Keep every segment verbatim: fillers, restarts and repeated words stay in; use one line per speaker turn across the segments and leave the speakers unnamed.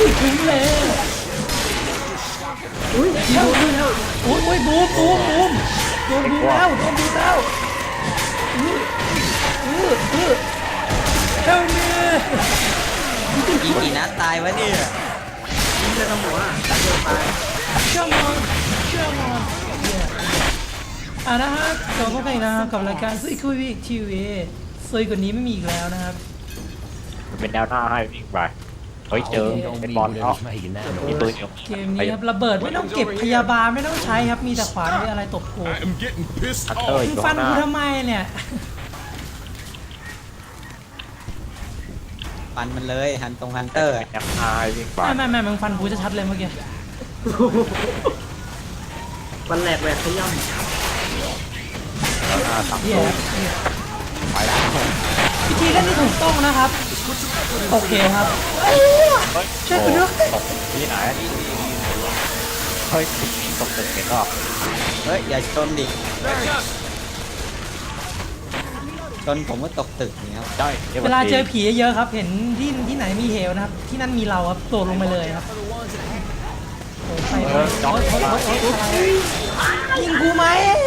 คุ้มเลยอุ้ยโดนแล้วโอ้ยโอ้ยบูมบูมบูมโดนบูมแล้วโดนบูมแล้วอืออืออือเท่านี้
ยิงกี่นัดตายวะเนี่ย
ยิงจะทำหัวตายเดียวตาย
เชื่อมอนเชื่อมอนอ่ะนะฮะกลับมากันอีกนะครับกับรายการซุยคุยวิกทีวีซุยกว่านี้ไม่มีอีกแล้วนะครับ
มันเป็นแนวหน้าให้วิ่งไปเฮ้ยเจอเป็นบอลเนาะมีตัวเดียว
เกมนี้ครับระเบิดไม่ต้องเก็บพยาบาลไม่ต้องใช้ครับมีแต่ขวานมีอะไรตบกู
I am getting pissed
ฮันเตอร์
off.
อยู่
ฟั
ข้าน งหน้า
กูทำไมเนี่ย
ฟันมันเลยฮันตรงฮันเตอร์
แนวหน้าให้วิ่งไป
ไม่ไม่ไม่มึงฟันกูจะชัดเลยเมื่อกี้
วันแหลกแหวกขย่ำ
แนวหน้าตั้ง
เหี้ย
โต๊ะ
เหี้ย
ไปแล้ว
วิธีเล่นที่ถูกต้องนะครับโอเคครับ ช่วยกูด้วย
ตกที่ไหนเฮ้ยตกตึกเห็นหรอ
เฮ้ยอย่าชนดิชนผมก็ตกตึกนี่ครับ
ใช่
เวลาเจอผีเยอะๆครับ เห็นที่ที่ไหนมีเหวนะครับ ที่นั่นมีเราครับโดดลงไปเลยครับโอ้ยไปเลยโอ๊ยโอ๊ยโอ๊ยโอ๊ยโอ๊ยยิงกูไหม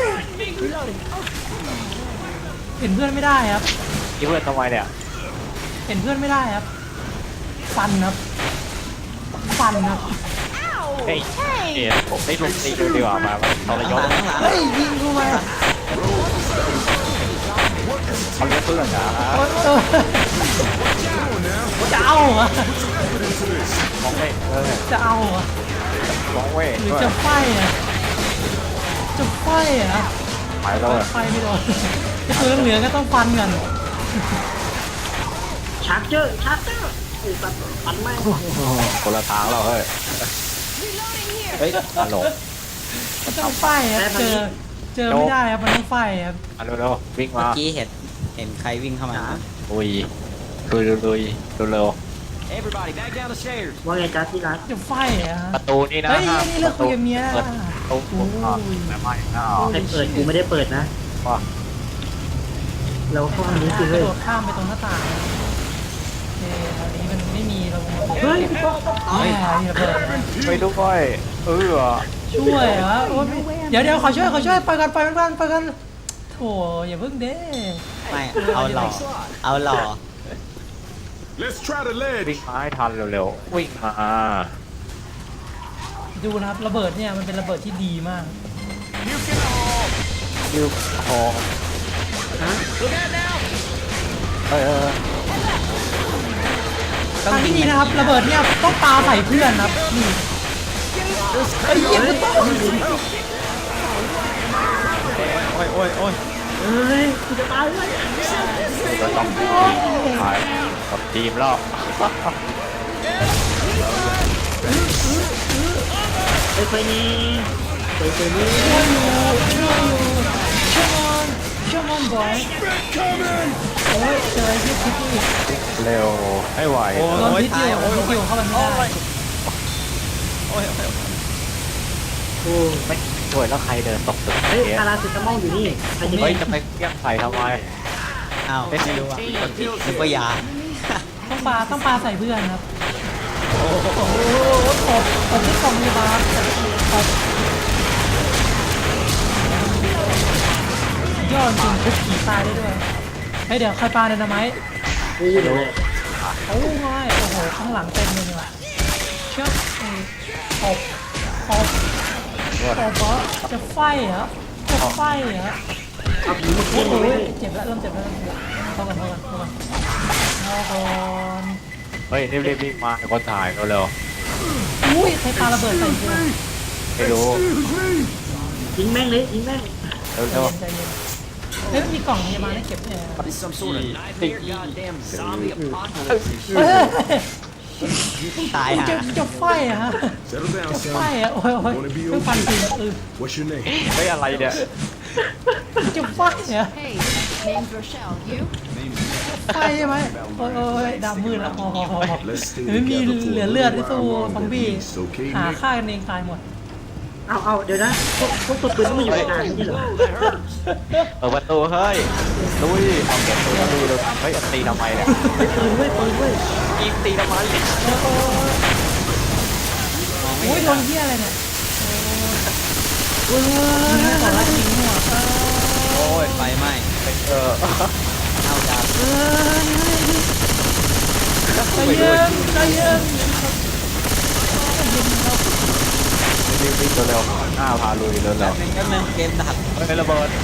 เห็นเพื่อนไม่ได้ครับ
ที่เพื่อนทำไมเนี่ย
เห็นเพื่อนไม่ได้ครับ ฟันครับ ฟันครับ
เฮ้ยเนี่ยผมได้ลงตีดูดีกว่ามาทรย
ข้าง
ศ
หลังข้างหลัง
เฮ้ยยิงกูไหม
เขาเรียกเพื่อนนะ
โอ๊ยโอ๊ยจะเอาเหรอ
มองเว้ยเออ
จะเอาเหรอ
มองเว้ย
หรือจะไฟอ่ะจะไฟอ่ะ
หายแล้ว
ไฟไม่โดนไอ้ตัวเหลืองๆก็ต้องฟันกัน
ชาร์เจอร์ชาร์เจอร์ไอ้สัตว์ปันแม่ง
คนละทางแล้วเฮ้ย
เฮ้ย
ตลก
มันต้องไฟครับเจอเจอไม่ได้ครับมันต้องไฟครับ
อันเร็วๆวิ่ง
เมื่อ
มา
กี้เห็นเห็นใครวิ่งเข้ามา
ลุยลุยลุยเร็ว
ว่าไงจ๊ะที่รัก
จะไฟอ่ะ
ๆประตูนี่นะ
เฮ้ยนี่เลิกคุยกับเมีย
เปิดประตูผมอ่ะไม่ไม่อ้าว
ใครเปิดกูไม่ได้เปิดนะ
ว่า
เราห้องนี้
ก
คือ
ระ
เฮ้ย
โดดข้ามไปตรงหน้าต่างโอเคตอนนี้มันไม่มีเรา
เฮ้ยพี่ป๊อก
เฮ้ยระเบิด
ไปดูก้อยเออ
ช่วยเหรอโอ้ยเดี๋ยวเดี๋ยวขอช่วยขอช่วยไปกันไปกันไปกันโถอย่าเพิ่งเด้
ไม่เอาหล่อเอาหล่อ
Let's try the
วิ่ง
ledge.
มาให้ทันเร็วๆวิ่งมา
ดูนะครับระเบิดเนี่ยมันเป็นระเบิดที่ดีมาก
ยืมคอ
ฮะ
เออ
ทางที่ดีนะครับระเบิดเนี่ยต้องปาใส่เพื่อนครับนี่ไอ้เหี้ยมันต้อง
โอ้ยโอ้ยโอ้ย
เฮ้ยกูจะตายเลย
จะต้องถ่ายกับทีมแล้ว
ไปไปนี่ไปไปนี่
ช่วยอยู่ช่วยอยู่ช่วยมันช่วยมันบอยโอ้ยเจอไอ้ที่พิษอีก
เร็วให้ไหว
โอ้
โดน
ย
พิษอ
ตาย
ยู่
โอ้ย
พิษอยู่เข้าไปไม่ได้
โอ้ยโอ้ย
โอ้
ไม่ช่วยแล้วใครเดินตกตึก
เฮ้ย
เนี้ย
พาราเซตามอลอยู่นี่ใครจะ
เฮ้ยจะไปเกี้ยงใส่ทำไม
อ้าวไม่รู้อ่ะกดผิดนึกว่ายา
ต้องปาต้องปาใส่เพื่อนครับโอ้โหตบตบที่กล่องพยาบาลตบยอดจริงทุบผีตายได้ด้วยเฮ้ยเดี๋ยวใครปาไดนาไมต์
กูเดี๋ยวเลย
โอ้ยโอ้โหข้างหลังเต็มเลยนี่ว่ะเชือกตบตบตบเหรอจะไฟเหรอจะไฟเหรอ
เอาผีมา
โอ้
เคี่ยน
โห
เลย
เจ็บแล้วเริ่มเจ็บแล้วเริ่มเจ็บแล้วเข้ากันเข้ากันเข้ากันเข้ากัน
เฮ้ยรีบๆวิ่งมาให้คนถ่ายเร็ว
อุ้ยใครปาระเบิดใส่กู
ๆไม่รู้
ยิงแม่งเลยยิงแม่ง
เร็ว
ใจเย็นเฮ้ยมีกล่องพยาบาลให้เก็บเนี่ย เฮ้ย
ตาย
มึง
ฮะ
จะจะไฟอะฮะ
Settle down,
จะไฟ
son.
อะโอ้ยโอ้ยเพิ่งฟันทีเออ
What's your name?
ๆเฮ้ยอะไรเนี่ย
จะไฟอะ
Hey, name's Rochelle. You?
ไฟใช่ไหมโอ้ยโอ้ยดำมืดแล้วพอพอพอ
Let's stay
ไม่มี
together
เหลือ
for a
เลือด
little
ที่สู้
while
ซอม
longer,
บี้
please, okay,
หา
Nick?
ฆ่ากันเองตายหมด
เอาเอาเดี๋ยวนะพวกพวกตัวปืนต้องมาอยู่ในงานนี่เหรอ
เปิดประตูเฮ้ยลุยเอาเก็บตัวลุยเลยเฮ้ยตีทำไมเนี่ย
ปืนเว้ยปืนเว้ย
ยิงตีทำไม
โอ้ย
ไม่
โอ้ย
เห็น
โด
อะ
นเหี้ยอะไรเนี่ยโอ้ยยิงให้ก่อนละยิงหัวเออ
โอ้ยไฟไหม้
เออ
เอาดาบ
เออใจเย็นใจเย็นใจเย็นครับ
รีบวิ่งเร็วๆหน้าพาลุยเร็ว
แป๊บนึงแป๊บนึงเกมดับ
ๆเฮ้ยระเบิด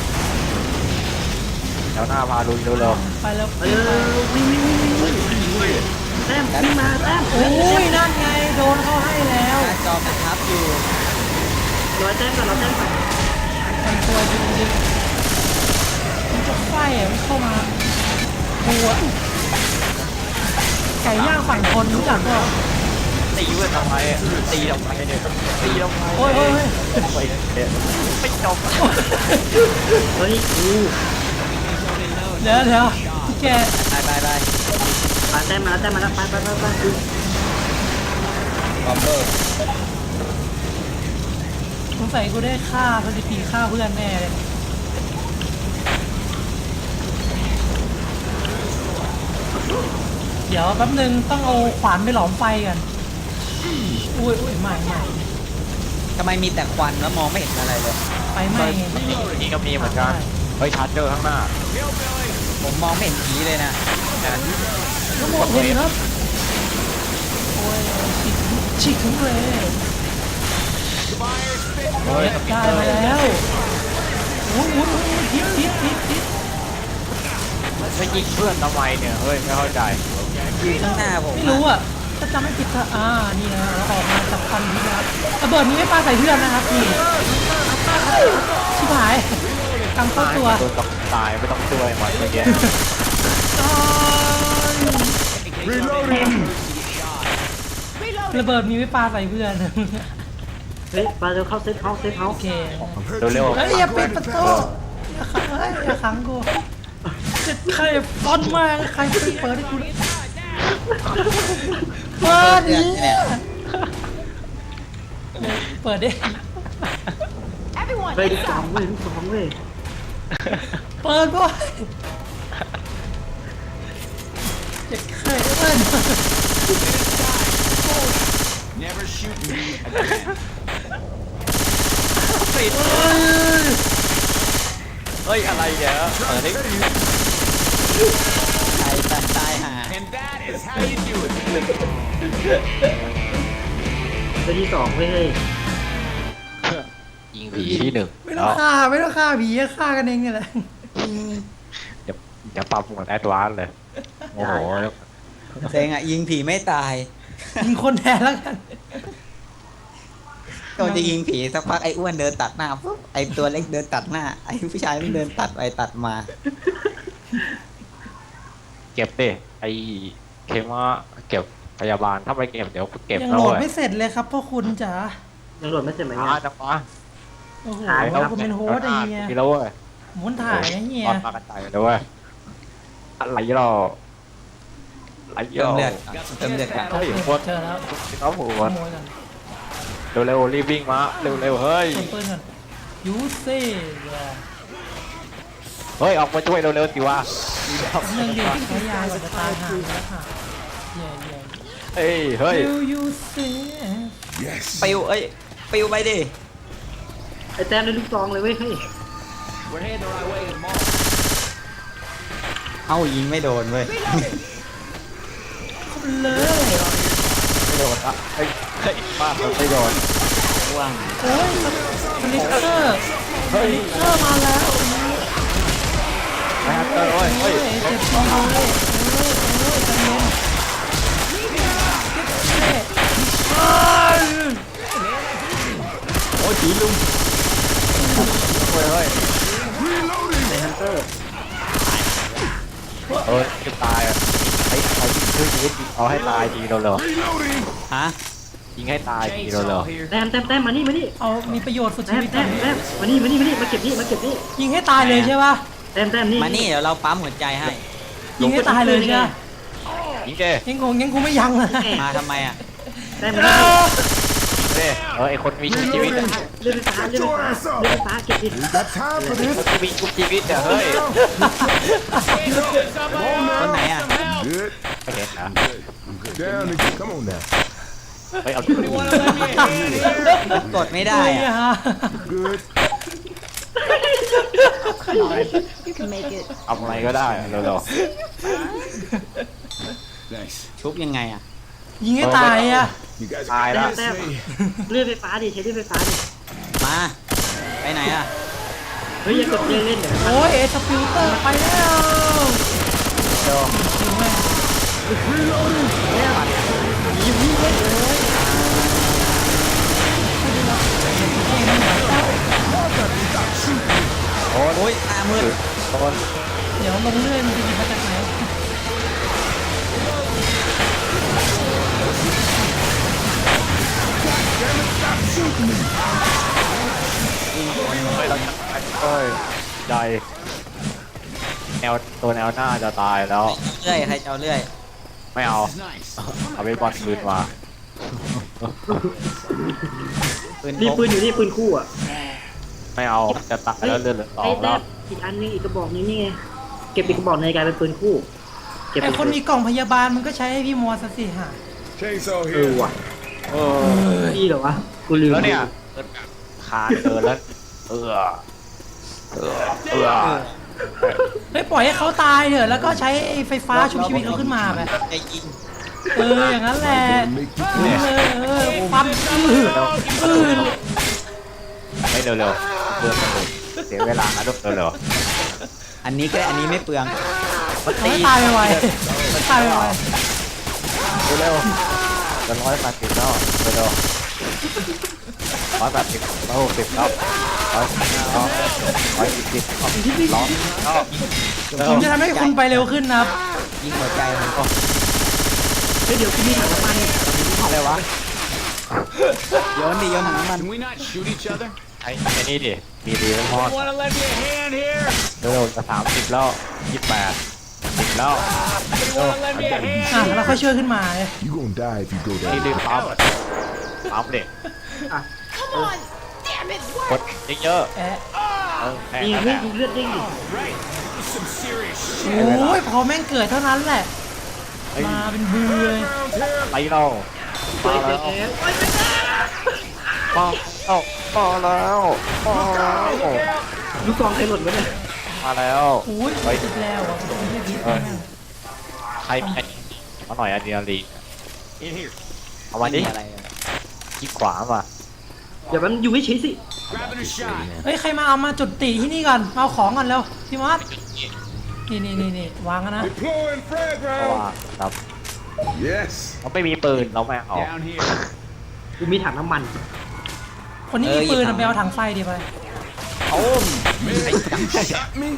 แถวหน้าพาลุยเร็ว
ไปแล้ว
เออวิ่งวิ่งวิ่งวิ่งวิ่งแต้มวิ่งมาแต้ม
โอ้ยนั่นไงโดนเขาให้แล้ว
หน้าจอมันทับอยู่
ร้อยแต้มก่อนร้อยแต้มก่อน
มันตัวจริงๆมันจะไฟอ่ะมันเข้ามาหัวไก่ย่างฝั่งคนรู้จักก็
ๆตีเว้ยทำไมตีทำไมเนี่ยตีทำไม
โอ้ยโอ้ย
ไปเนี่ยไม่จบ
เฮ้ยกู
เดี๋ยวเดี๋ยวพี่แก
ไปไปไป
ปาแต้มมาแล้วแต้มมาแล้วไปไปไปไปกู
บอมเบอร์
สงสัยกูได้ฆ่าสถิติฆ่าเพื่อนแน่เลยเดี๋ยวแป๊บนึงต้องเอาขวานไปหลอมไฟกันอุ้ยอุ้ยใหม่ใหม่
ทำไมมีแต่ควันแล้วมองไม่เห็นอะไรเลย
ไฟไหม้ไง
นี่ก็มีเหมือนกันเฮ้ยชาร์เจอร์ข้างหน้า
ผมมองไม่เห็นผีเลยนะ
ทั้งหมดเลยครับโอ้ยฉีกฉีกถึงเลย
เฮ้ย
ได้มาแล้วโอ้ยโอ้ยโอ้ยทิศทิศทิศทิศ
ไม่ยิงเพื่อนทำไมเนี่ยเฮ้ยไม่เข้าใจ
อยู่ข้างหน้าผม
ไม่รู้อ่ะถ้าจำไม่ผิดก็อ่านี่นะเราออกมาจากควันพิษนะครับระเบิดนี้ไม่ปาใส่เพื่อนนะครับพี่ชิบหายกำเข้าตัว
โดนตายไม่ต้องช่วยมันเมื่อกี้
Reloading.
ระเบิดมีไม่ปาใส่เพื่อน
เฮ้ยปาเร็วเข้าเซตเฮาส์เซตเฮา
โอ
ส์
เค
เร็ว
เฮ้ยอย่าปิดประตูอย่าขังเฮ้ยอย่าขังกูจะใครฟอนมากใครเปิดเปิดให้กูเลยเปิดดิเปิดดิ
Everyone,
เฮ้ยลูกสองเว้ยลูกสองเว้ย
เปิดด้วยจะใครเปิด
Never shoot me.
เฮ้ยอะไรเนี่ยเออนี่
ตายตายตายหา
And that is how you do it.
เซตที่สองเว้ยเฮ้ย
ยิงผีที่หนึ่ง
ไม่ต้องฆ่าไม่ต้องฆ่าผีฆ่ากันเองนี่แหละ
เดี๋ยวเดี๋ยวปรับหมวดแอดวานซ์เลยโอ้โห
เซ็งอ่ะยิงผีไม่ตาย
ยิงคนแทนแล้วกัน
ก็จะยิงผีสักพักไอ้อ้วนเดินตัดหน้าปุ๊บไอ้ตัวเล็กเดินตัดหน้าไอ้ผู้ชายมันเดินตัดไปตัดมา
เก็บดิไอเคมาเก็บพยาบาลถ้าไม่เก็บเดี๋ยวเก็บ
ยัง
แล้
โหล
ว
ด
เว้ย
ไม่เสร็จเลยครับพ่อคุณจ๋า
ยังโหลดไม่เสร็จไหม
อ่า
เนี่ย
จังวะ
โอ้โห
ถ่ายแล้ว
ผมเป็นโฮสต์ไอ้เหี้ย
มีแล้วเว้ย
หมุนถ่ายนะเฮีย
ตอนมากันใจเลยเว้ยอะไรหรออะไรหร
เติม
อ
เลือดก่อนเติมเลือดก่อน
เฮ้ยโคตร
เจอแล้ว
น้องหั
ข
ว
โมยกัน
เร็วๆรีบวิ่งมาเร็วๆเฮ้ย
เปิดปืนก่อนยูเซ่
เฮ้ยออกมาช่วยเร็วๆสิวะ
หนึ่งเดียวใช้ยาก่อนจะตายหาแล้วค่ะเย่เย่
เฮ้ยเฮ้ย
ยูยูเซ่
Yes.
ปิวเอ้ยปิวไปดิ
ไอ้แต้มได้ลูกซองเลยเว้ยเฮ้ย
เอ้ายิงไม่โดนเว้ย
เลย
ไม่โดนอ่ะเฮ้ยเฮ้ยมากมันไม่โดน
ว่าง
โอ้ยสลิกเกอร์สลิกเกอร์มาแล้ว
ไม่ฮัตเตอร์เว้ยเฮ้ย
เจ็บจริงเลยเออเออใจเย็นเฮ้ย
โอ้ยผีลุง
เฮ้ยเฮ้ย
ในฮันเตอร์
เฮ้ยจะตายอ่ะไอ้เอายิงช่วยชีวิตเอาให้ตายทีเร็ว
Reloading.
ฮะ
ๆยิงให้ตายทีเร็ว
แต้มแต้มแต้มมานี่มานี่
เอามีประโยชน์สุดชี
แต้ม
วิต
แต้มแต้มมานี่มานี่มานี่มาเก็บนี่มาเก็บนี่
ยิงให้ตายเลยใช่ป่ะ
แต้มแต้มนี่
มานี่เดี๋ยวเราปั๊มหัวใจให้
ยิงให้ตายเลยใช่ป่ะ
ๆยิงเจ้
ยังคงยังคงไม่ยั้งเลย
มาทำไมอ่ะ
แต้มมานี่
เจ้เออไอคนมีชุบชีวิตอ่ะ
เลื่อนไฟฟ้าเลื่อนไฟฟ้าเลื่อนไฟฟ้าเก็บดิ
We got time for this.
คนมีชุบชีวิตอ่ะเฮ้ย
คนไหนอ่ะ
Good.
ไม่เห็นนะ
Down again. Come on now.
เฮ้ยเอา
กดไม่ได้
เลย
อะ
ฮะ
Good.
Come on. You can make it.
ทำอะไรก็ได้เร็ว
Nice.
ชุบยังไงอ่ะ
ยิงให้ตายอ่ะ
You guys
ๆตายแล้ว
แต้มเลื่อนไฟฟ้าดิใช้เลื่อนไฟฟ้าดิ
มา ไปไหนอ่ะ
เฮ้ยอย่ากดเล่นเล่นเดี๋ยว
โอ้ยเอสปิวเตอร์ไปแล้วยิงแม่ง
โอ้ยตามืด
ต้น
เดี๋ยวลงเรื่อยมันจะยิงมาจากไหน
เฮ้ยเราจะเฮ้ยใจแนวตัวแนวหน้าจะตายแล้ว
เลื่อยใครจะเอาเลื่อย
ไม่เอา
nice.
เอาไปบอลคืนมา
ปืน
นี่
พก
ปืนอยู่นี่ปืนคู่อ่ะ
ไม่เอาจะตายแล้วเลือดเหลือสอ
ไอ้
ง
แต้
แล้ว
มอีกอันนึงอีกกระบอกนึงนี่ไงเก็บอีกกระบอกในกลายเป็นปืนคู่เก็บ
ไอคนมีกล่องพยาบาลมันก็ใช้ให้พี่มอสสิฮะ
Chainsaw
เออ
here.
ว่ะ
เออ
พี่เหรอวะกูลืม
แล้วเนี่ยขาดเกินแล้วเออเออเออ
เฮ้ยปล่อยให้เขาตายเถอะแล้วก็ใช้ไอ้ไฟฟ้าชุบชีวิตเขาขึ้นมาไป
ไอ้ยิง
เอออย่างนั้นแหละ
Make you
เออเออปั๊มอืออือ
ไม่เร็วๆเบื่อกันเลยเสียเวลานะลูกเร็ว
อันนี้ก็อันนี้ไม่เปลือง
เขาให้ตายไปไวเขาตายไปไว
ๆเร็วๆจะร้อยแปดสิบแล้วเร็วๆร้อยแปดสิบร้อยหกสิบครับร้อยสิบแล้วร้อยสิบสิบร้อยก็
ผมจะทำให้คุณไปเร็วขึ้นนะครับ
ยิงหัวใจมันก็
เฮ้ยเดี๋ยวกูมีถังน้ำมัน
อะไรวะโยนดิโยนถังน้ำมัน
Can we not shoot each other?
ไอ้ไอ้นี่ดิมีดีไม่พอ
Wanna lend me a hand here?
เร็วๆจะสามสิบแล้วยี่สิบแปดสิบแล้ว
Wanna lend me a hand?
อ่ะแล้วค่อยช่วยขึ้นมา
You gonna die if you go
นี่รีบปั๊มปั๊มเด็ก
Come on. Damn it.
ก
Work.
ดเยอะ
แอะ
ๆเออแค่
นี่
นั้นแห
เฮ้ย
ละ
ดูเลือดเด้งดิ
Right. Some serious
โอ้ยพอแม่งเกิดเท่านั้นแหละ มาเป็นบือเลย
ไปเรา
เฮ้
มาย
เฮ้
แล้
ยว เฮ้ย
มาแล้วมาแล้วมาแล้ว
ลูกกองใครหล่นวะเนี่ย
มาแล้ว
โอ้ยติดแล้วอ่ะผมไม่ได้พิษแม่ง
ใครมีอันนี้เอาหน่อยอะดรีนาลีน
In here.
เอามาดิ
อะไรอะ
คลิกขวามา
เดี๋ยวมันอยู่ไม่เฉยสิ
Grabbing a shot.
เฮ้ยใครมาเอามาจุดตีที่นี่ก่อนมาเอาของก่อนเร็วพี่มอสนี่นี่นี่นี่วางกันนะ
Deploying frag
เพราะว่า
round.
ครับ
Yes.
เราไม่มีปืนเราไม่เอา
Down here.
กูมีถังน้ำมัน
คนนี้มีปืนอะไปเอาถังไฟดีไป
โอ้ม
Shot me?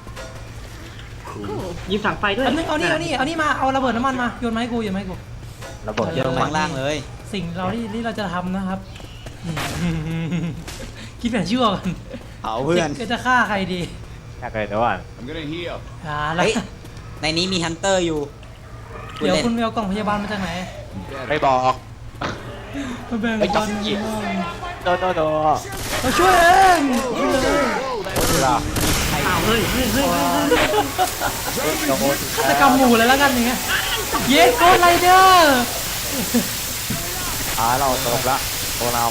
ยิงถังไฟด้วย
อันนึงเอานี่เอานี่เอานี่มาเอาระเบิดน้ำมันมาโยนมาให้กูโยนมาให้กู
ระเบิด
โยนลงข้างล่างเลย
สิ่งเราที่ที่เราจะทำนะครับ คิดแบบชั่วกัน
เผาเพื่อน
จะจะฆ่าใครดี
แค่เลยเดี๋ยวก่อน
I'm gonna heal.
อ่าแล้ว
เฮ้ย ในนี้มีฮันเตอร์อยู่
เดี๋ยว
ล่น
คุณไปเอากล่องพยาบาลมาจากไหน
ไม่บอก
มาแบ่ง
ไม่ต้
กั
อง
น
หยิบ โดนโดนโดน
มาช่วยเองช่วยเลย
เวลา
อ้าวเฮ้ยเฮ้ยเฮ้ยเฮ้ยเฮ้ย
โดน
ฆาตกรรมหมู่เลยแล้วกันอย่างเงี้ยเยสโกไรเดอร์
ขาเราตกละตัวน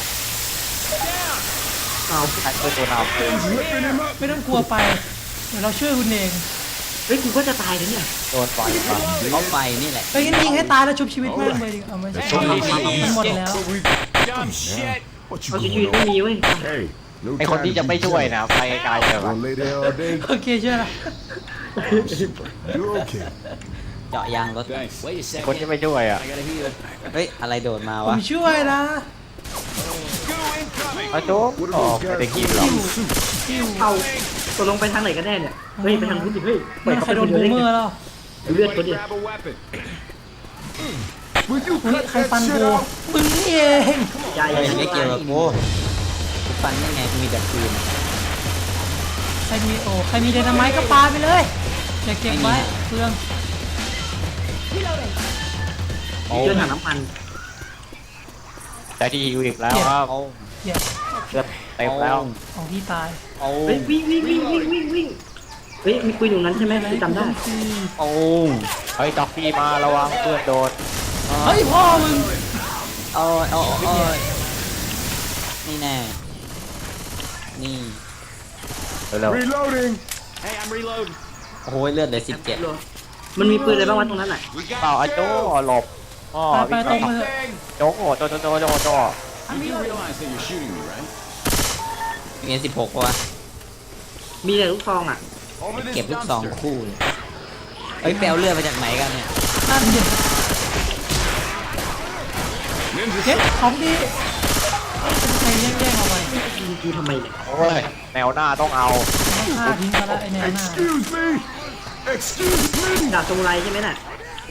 อ้าว
ำใครเป็นตัวน
Whipping him up.
ไม่ต้องกลัวไป เดี๋ยวเราช่วยคุณเอง
เฮ้ยกูก็จะตายแล้วเนี่ย
ำโดนไฟมา
เอาไฟนี่แหละ
ไปงั้นยิงให้ตายแล้วชุบชีวิตแม่งไปดิเอาไม่ใช่มันหมดแล้ว
Dumb shit. What
เอา
you
ชีวิต
gonna
ไม่
do?
มีเว้ย
Hey. No
ไอคน
time
ที่
to
จะ
be
ไม่ช่วย
playing.
นะไปไกลเลย
Gonna lay there all day?
โอเคช่วยละ
You're okay.
เจาะยางรถ
Thanks. Wait a
คนที่ไม่ช่วยอ่ะ
เฮ้ย อะไรโดดมา
ผ
วะ
มช่วยนะ
มาจุ๊บ
What
อ๋อ
are
ไม่
those
ได้
guys
กินหรอก
doing? Suits.
เอาตกลงไปทางไหนกันแน่เนี่ย เฮ้ยไปทางนู้นดิเฮ้ยปล่อย
ไม่
เขา
ใคร
ไป
โด
คน นเดี
บู
ยวได้
มเม
ไง
อร์แล้ว
ดูเลือดเขาดิ
Grab a weapon. Will you
เฮ้ย
cut
ใคร
that
ฟัน
shit
กู
out?
มึงนี่เอง
ยาย
เฮ้ย
ยาย
ไม่เกี่ยวกับกูกูฟันได้ไงกูมีแต่ปืน
ใครมีโอ้ใครมีไดนาไมต์ก็ปาไปเลยอย่าเก็บไว้เปลือง
เจอถังน้ำมัน
แต่ที่ฮิวอีกแล้วครับ
เอา
เหี้ย
เลือดเต็มแล้ว
ของที่ตาย
เอา
เฮ้ยวิ่งวิ่งวิ่งวิ่งวิ่งวิ่งเฮ้ยมีปืนอยู่นั้นใช่ไหมกูจำได้
เอา
เฮ้ยจ็อกกี้มาระวังเพื่อนโดน
เฮ้ยพ่อมึง
โอ้ยโอ้ยโอ้ยนี่แน่นี่
เร็ว
Reloading.
โอ้โหเลือดเหลือสิบเจ็ด
มันมีปืนอะไรบ้างวะตรงนั้นอ่ะ
ๆเปล่าไอ้โจ้หลบอ๋อ
ไปไปตรงมาเถอะ
โจ้โจ้โจ้โจ้โจ้โจ้
มีสิบหกวะ
มีแต่ลูกซองอ่ะ
Over this
เก็บลูกซอง
dumpster.
คู่เลยเอ้ยแปลเลือดมาจากไหนกันเนี่ย
นั่นดิ
Ninja
เก็บของดีใครแย่งแย่งเอาไป
ยิงกูทำไมเนี่ย
โอ้ยแนวหน้าต้องเอา
ฆ่าทิ้งไปแล้วไอ้แนวหน้า
Excuse me. Excuse me.
ดาบซามูไรใช่ไหมน่ะ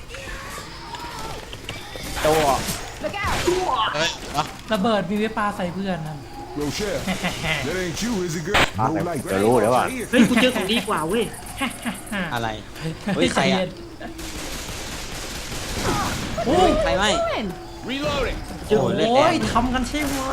โจ้
Look out!
เฮ้ยอ่ะ
ระเบิดมีไว้ปาใส่เพื่อนนั่น
Rochelle, that ain't you, is it, girl?
อ่ะ
No
เดี๋ยว
light.
เดี๋ยวรู้เดี๋ยวว่า
เฮ้ยกูเจอของดีกว่าเว้ย
อะไรเฮ้ยใครอ่ะ
โอ้ย
ใครไม่
เจอ
โอ้
ของ
เลื
ดี
อดแด
โอ้
ง
ยทำกันใช่ไหม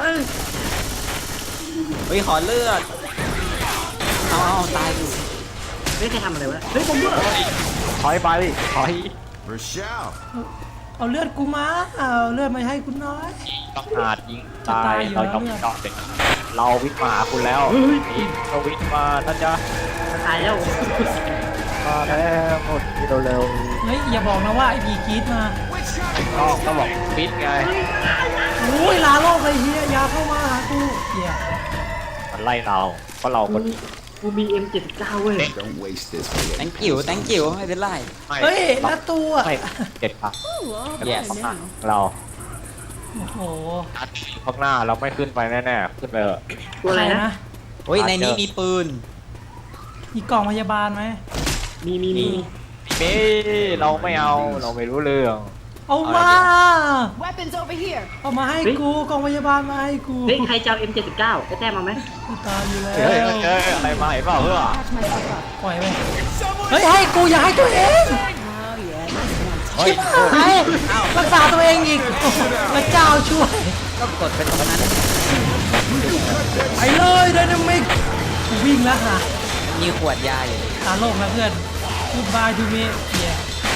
เฮ้ยขอเลือดเอาเอาตายอยู่
เฮ้ยใครทำอะไรวะเฮ้ยผมด้วย
ถอยไปถอย
Rochelle.
เอาเลือดกูมาเอาเลือดมาให้คุณน้อย
ต้องหาดยิงตา
จะตาย
ย
อยู่
เรา
แล้ว
ต้อง
เนี่ย
เจาะเด็กเราวิ่งมาหาคุณแล้วนี่เราวิ่งมานะจ๊ะ
ตายแล้ว
มาแล้วหมดที่เร็ว
เฮ้ยอย่าบอกนะว่าไอ้ผีกรีดมา
ๆต้องก็บอกฟิตไง
โอ้ยลาโลกเลยเฮียอยาเข้ามาหากูเฮีย
มันไล่เราเพราะเราคน
กูมี เอ็ม เจ็ดสิบเก้า เว้ย
Don't waste this for your
แตงกิ๋วแตงกิ๋วไม่เป็นไร
ไม่
เฮ้ยแล้วตัว
ไม่เจ็ดปัก
yes
เรา
โอ้โห
ข้างหน้าเราไม่ขึ้นไปแน่ๆขึ้นไปเถอะ
ตัวอะไรนะ
เฮ้ยในนี้มีปืน
มีกล่องพยาบาลไหม
มีมีมี
เบ้เราไม่เอาเราไม่รู้เรื่อง
เอามา
Weapons over here.
เอามาให้กูกล่องพยาบาลมาให้กู
เฮ้ยใครจะเอา เอ็ม เจ็ดสิบเก้า ไอ้แต้มมาไหม
กูตายอยู่แล้
เฮ้ยว เฮ้ยอะไรมาเห็นเปล่าเพื่อ
Patch myself up.
ปล่อยไปเฮ้ยให้กูอย่าให้ตัวเอง
Oh yeah, this one's
เฮ้ย
หายรักษาตัวเองอีกพระเจ้าช่วย
ก็กดไปตรงนั้น
ไปเลยไดนามิกวิ่งแล้วค่ะ
มีขวดยาอยู่
ตาโลกแล้วเพื่อนกูบายทูเมเฮีย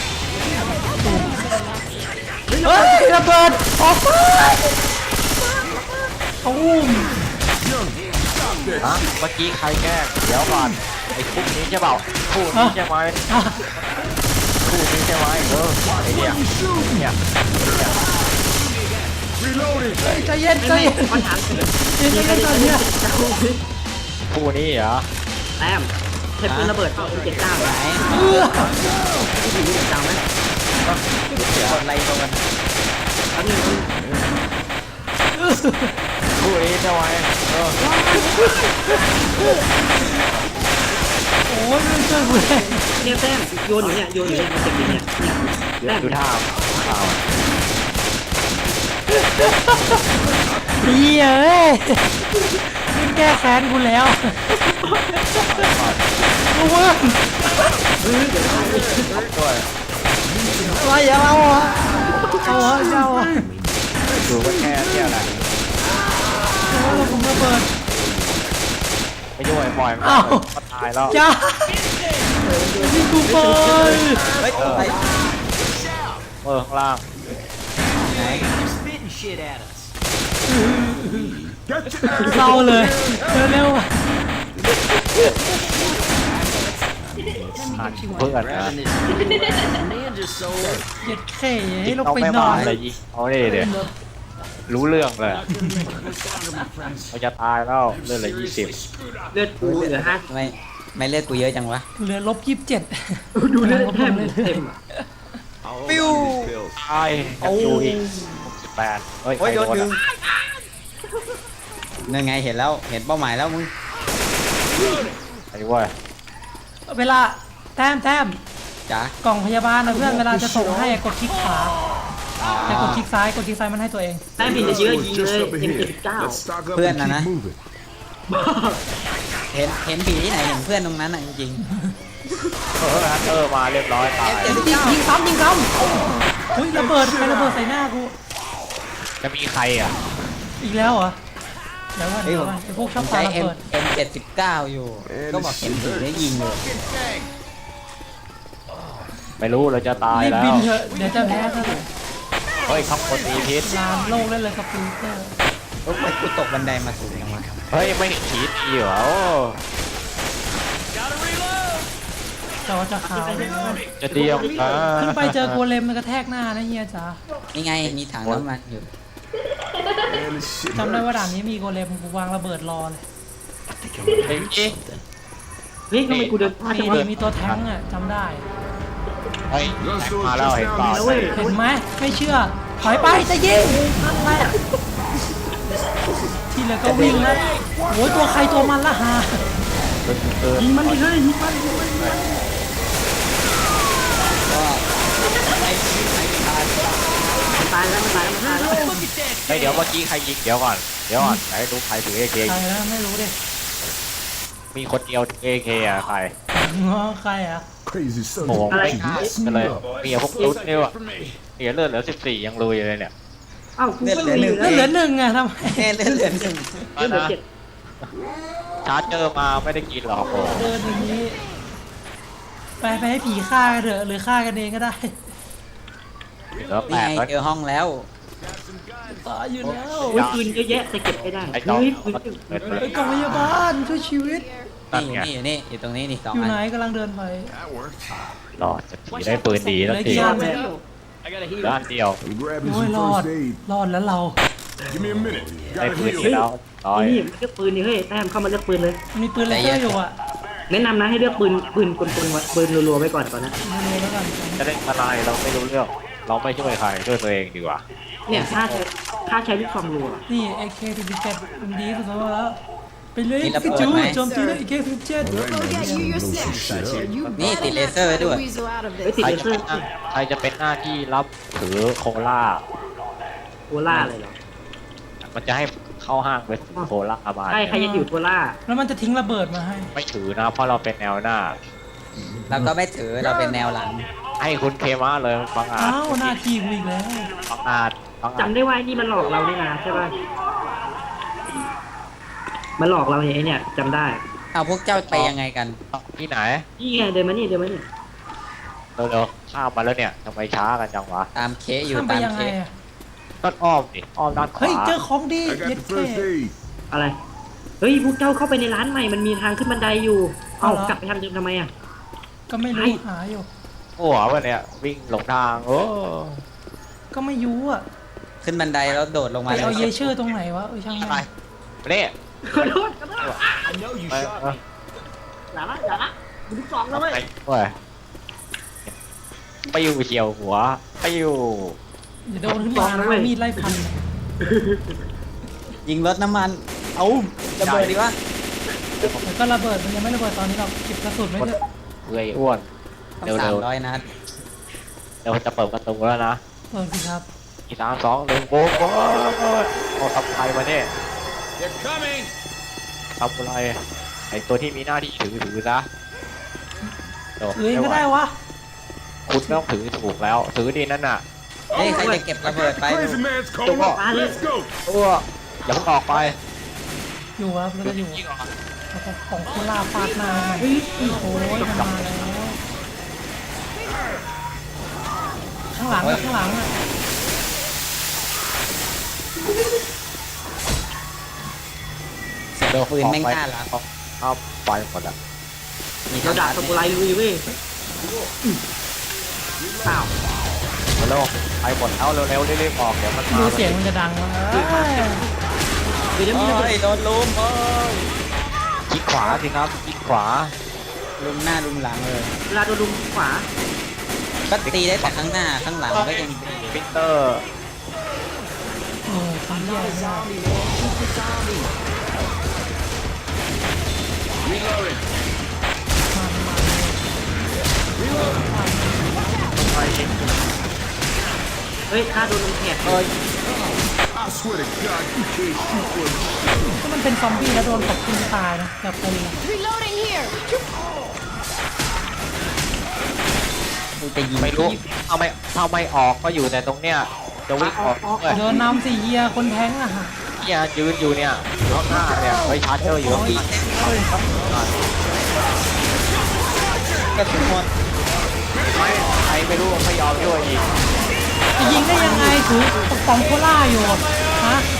เฮ้ยระเบิดออกไปตูม
ฮะเมื่อกี้ใครแกล้งเดี๋ยวก่อนไอ้คู่นี้ใช่เปล่าคู่นี้ใช่ไหม
อ่ะ
คู่นี้ใช่ไหมเออไอ้เนี่ยเนี่ย
reloading.
ใจเย็นใจ
ไม่
เย็น
ไม่ขอถามหน่อย
ใจเย็น
มี
ใจ
ใคร
เย็น
จะ
ใจ
เอา
เย็น
เอ็ม เจ็ดสิบเก้าไหม
คู่นี้เหรอ
แต้มใช้ปืนระเบิดเอา เอ็ม เจ็ดสิบเก้า
ไหน
ไหม
เออ
ที่ถือ เอ็ม เจ็ดสิบเก้าไหม
กดอะไรตรงนั้น
แป๊บนึง
คู่นี้ใช่ไหมเออ
โอ้ยมันช่วยกูเลย
เนี่ยแต้มโยนอยู่เนี่ยโยนอยู่เนี่ยมันเจ็บอยู่เนี่ยเนี่ยแต้ม
ดูท่าท่า
ดีเอ้ยนี่แก้แค้นกูแล้วกูเว้ย
ด้วย
อะไรอย่าเอาอ่ะเอาอ่ะเอาอ่ะ
ดูว่าแค่เนี่ยแหละ
เอาแล้วผมระเบิด
ไม่ช่วยปล่อยมัน
อ้าว
ก็ตายแล้ว
จ้านี่กูไป
เฮ้ยไป
เออข้างล่าง
ไหน
Get your ass
เศร้าเลยเร็วๆอ่ะ
อ่านเพื่อนนะ
เหยียดแค่ให้ลง
ต้อง
ไป
ไม่
น
มา
อน
เลยยิงเอาดิเดี๋ยวรู้เรื่องเลยเราจะตายแล้วเลือดเหลือยี่สิบ
เลือดกูเหลือห้า
ไม่ไม่เลือดกูเยอะจังวะ
เหลือลบยี่สิบเจ็ด
ดูเลือดแต้มเต็มอ่ะ
ปิ้ว
ตายยังอยู่อีกสิบแปดเฮ้ย
โอ้ยโดน
ใคร
ดึ
อะ
งนั่นไงเห็นแล้วเห็นเป้าหมายแล้วมึง
ไอ้เว้ย
เวลาแต้มแต้ม
จ๋าก
ล่องพยาบาลนะเพื่อนเวลาจะส่งให้กดคลิกขวา
อ๋อ
แต่กดคลิกซ้ายกดคลิกซ้ายมันให้ตัวเอง
แต้มผิดเยอะๆยิง
just
เลย
up
เอ็ม
ahead.
เจ็ดสิบเก้า
Let's stock up
พื่อน
and
นะนะ
keep moving.
เห็นเห็นผีที่ไหนเห็นเพื่อนตรงนั้นอ่ะจริง
เออฮันเตอร์มาเรียบร้อยตาย
ยิงยิงซ้ำยิงซ้ำเฮ้ยระเบิดใครระเบิดใส่หน้ากู
จะมีใครอ่ะ
อีกแล้วเหรอเดี๋ยวก่อน
ๆเฮ้ย
เดี๋ยว
ผม
ก่อนไอ้พวกช
ผ
อบ
ม
ปา
ใช้
ระ
M
เบิด
M เจ็ดสิบเก้าอยู่ ก็บอกเห็นผีได้ยิงอยู่
ไม่รู้เราจะตาย
รีบ
แล้
บิ
วน
เถอะเดี๋ยวจะแพ้ซะเลย
เฮ้ยข้างบนมีพิษ
ลานโลกเล่นเลยสปีดเตอร์
โอ้ยกูตกบันไดมาสูงยังวะ
เฮ้ยไม่เห็นผีดีเหรอโอ้
จอจะขาว
จะเดียวอ่า
ขึ้นไปเจอโกเลมมันกระแทกหน้านะเฮียจ๋า
นี่ไงมีถังน้ำมันอยู่
Man, this shit
จำได้
hurts.
ว่าด่านนี้มีโกเลมกูวางระเบิดรอเลย
เฮ้ย
เฮ้ยทำไมกูเดินพลาด
มี
จังวะ
มีตัวแท้งอ่ะจำได้
เฮ้ยมาแล้วเห็นเปล่า
เว้ย
เห็นไหมไม่เชื่อถอยไปจะยิงนั่นแหละที่เหลือก็วิ่งแล้วโอ้ยตัวใครตัวมันละฮะ
เออ
ยิงมันดิเฮ้ยยิงมันยิงมัน
ก็ไอ้ที่ไอ้ทาน
มันตายแล้วมันตายแล้วมันตายแล้ว
เฮ้ยเดี๋ยวเมื่อกี้ใครยิงเดี๋ยวก่อนเดี๋ยวก่อนไหนดูใครถือเอเค
ใครแล้วไม่รู้ดิ
มีคนเดียวถือเอเคอะใคร
อ๋อใครอ่ะ
Crazy son
โอ้
of
โห
a
อะไร
bitch.
ไม่
Mess
กัน
me
เลย
up.
เมียพวกตุ๊ดเนี่ยว่ะเมียเลือดเหลือสิบสี่ยังลุยเลยเนี่ย
เอ้ากูก็รู้อยู่
แล้
แล้ว ว
เหลือหนึ่งอ่ะทำไม
แค่เลือดเหลือหนึ่ง
เหลือเจ็ด
ชาร์จเจอมาไม่ได้กินหรอกโอ้
เดินอย่างนี้ไปไปให้ผีฆ่ากันเถอะหรือฆ่ากันเองก็ได้
เหลือแป
นี่
ด
ไง
แล้ว
เจอห้องแล้ว
ตายอยู่แล้ว
โอ้ยปืนเยอะแยะแต่เก็บไม่ได้
ไอ้จอม
เฮ้ยปืน
เปิด
ไอ้กล่องพยาบาลช่วยชีวิต
นั่น
นี่
ไง
อยู่นี่อยู่นี่อยู่ตรงนี้นี่สอง
อยู่
อัน
ไหนกำลังเดินไป
That worked.
รอดจะผีได้ปืนดีแล้ว
ได้
ที
กี่อันแล้ว
ด้านเดียว
I'm grabbing
โอ้ย
some
รอด
first aid.
รอดแล้วเรา
Give me a minute.
ได้
Gotta
ปืน
heal.
ดีแล้วร้อย
นี่มันเลือกปืนนี่เฮ้ยแต้มเข้ามาเลือกปืนเลย
มีปืนเลเซอร์อยู่อ่ะ
แนะนำนะให้เลือกปืนปืนกลๆไว้ปืนรัวๆไว้ก่อนก่อนนะ
มาเลยแล้วกัน
จะได้ทนายเราไม่รู้เรื่องเราไม่ช่วยใครช่วยตัวเองดีกว่า
เนี่ยถ้าใช้ถ้าใช้ลูกซองรัว
นี่ เอ เค สี่สิบเจ็ดมันดีสุดแล้ว ไปเลยพี่จูโจมตีเลย เอ เค สี่สิบเจ็ด
All right,
Go
man,
get
this
you
is
your
gonna blow some
snacks.
shit up.
You
Ni
better
ti
not
laser
try to
ด้วย
weasel out of
เฮ้ย
this.
ติด
ใคร
เล
จะ
เซอ
เป็น
ร์
หน้าใครจะเป็นหน้าที่รับถือโคล่า
โคล่าเลยเหรอ
มันจะให้เข้าห้างไปซื้อโคล่ามา
ใช่ใครจะอยู่โคล่า
แล้วมันจะทิ้งระเบิดมาให้
ไม่ถือนะเพราะเราเป็นแนวหน้า
เราก็ไม่ถือเราเป็นแนวหลัง
ให้คุณเคมาเลยฟังอาจ
อ้าวหน้าที่กูอีกแล้ว
ฟังอาจฟังอาจ
จำได้ว่าไอ้นี่มันหลอกเรานี่นะใช่ป่ะมันหลอกเราเนี่ยไอ้เนี่ยจำได้
เอาพวกเจ้าไปยังไงกัน
ที่ไหน
นี่ไงเดินมานี่เดินมานี่
เร็วๆข้ามมาแล้วเนี่ยทำไมช้ากันจังวะ
ตามเคอยู่
ข้ามไป
ตาม
ยัง
เค
ไงอ่ะ
ก็อ้อมดิอ้อมด้านข
เฮ้ยว
า
เจอของดี
I
เย็
got
ด
the
เท่
first aid.
อะไรเฮ้ยพวกเจ้าเข้าไปในร้านใหม่มันมีทางขึ้นบันไดอยู่ เอ้า
เอาเหรอ
กลับไปทางเดิมทำไมอ่ะ
ก็ไม่รู้
ไอ้
หาอยู่
หัววะเนี่ยวิ่งหลงทางโอ้
ก็ไม่รู้อ่ะ
ขึ้นบันไดแล้วโดดลง
ไป
มาเลย
เอาเยเชอร์ตรงไหนวะเออช่าง
ไป
มัน
เนี่ย
ขอโทษขอโทษ
I know you
ไป
shot
เออ
me.
อย่าละอย่าละดูลูกซองแล้วเว้ย
ไปเว้ยไปอยู่เฉียวหัวไปอยู่
เดี๋ยวโดนขึ้นมานะเอามีดไล่ฟัน
ยิงรถน้ำมัน เอาระเบิดดีวะ
แล้วก็ระเบิดมันยังไม่ระเบิดตอนนี้หรอกเก็บกระสุนไว้เถอะ
เอ้ยอ้วน
ต้อง
เร็วๆ
สามร้อยนัด
เดี๋ยวจะเปิดประตูแล้วนะ
เปิดสิครับ
อีสามสองหนึ่งโอ้โหเอาทำใครมาเนี่ย
They're coming.
ทำอะไรไอตัวที่มีหน้าที่ถือถือซะโ
เอ้ยก็ได้วะ
คุณไม่ต้องถือถูกแล้วถือดีนั่นน่ะ
เฮ้ยใครจะเก็บระเบิดไป
Crazy man's calling.
Come on.
Let's go.
ตัวอย่าเพิ่งออกไป
อยู่ครับแล้วก็อยู่
ยิงออก
แล้วก็ของคุณลาฟาดหน้าให้โอ้โหมันมาแล้วข้างหลังอะข้างหลังอะ
เดี๋ยว
ปืนแม่งน่ารัก
เอาไปหมดอ่ะ
มี
เรา
ทั้ง
ดาบ
ดาบ
สมุไรลุยเว้ยอ้าว
เร็วไปหมดเอาเร็วๆรีบๆออกเดี๋ยวมันมา
ดูเสียงมันจะดังวะเอ้ย
เดี๋ยวมี
โอ้
ระเบิด
ยโดนลุมโอ้ย
คลิกขวาสิครับคลิกขวา
ลุมหน้าลุมหลังเลย
เวลาโดนลุมขวา
ก็ตีได้แต่ข้างหน้าข้างหลังก็ยังดี
ฟิลเตอร์
โอ้ยความแย่มาก
Reloading.
มันมา
ไป
เฮ้ยข้าโดนลุมแขก
โอ้ย
I swear to God, you can't shoot for me.
ถ้ามันเป็นซอมบี้แล้วโดนตบกินตายนะแบบเป็น
Reloading here.
กูจะยิง
ไม่รู้เอาไม่ถ้าไม่ออกก็อยู่แต่ตรงเนี้ยจะวิ่งออกเอ้ย
เดินนำสี่เยียคนแท้งอะฮะ
เนี่ยยืนอยู่เนี่ยข้างหน้าเนี่ยไว้ชาร์เจอร์อยู่ข้างหน้าก
ระสุนหมด
ไม่ใครไม่รู้ไม่ยอมด้วยอีก
จะยิงได้ยังไงถือปกป้องโคล่าอยู่ฮะ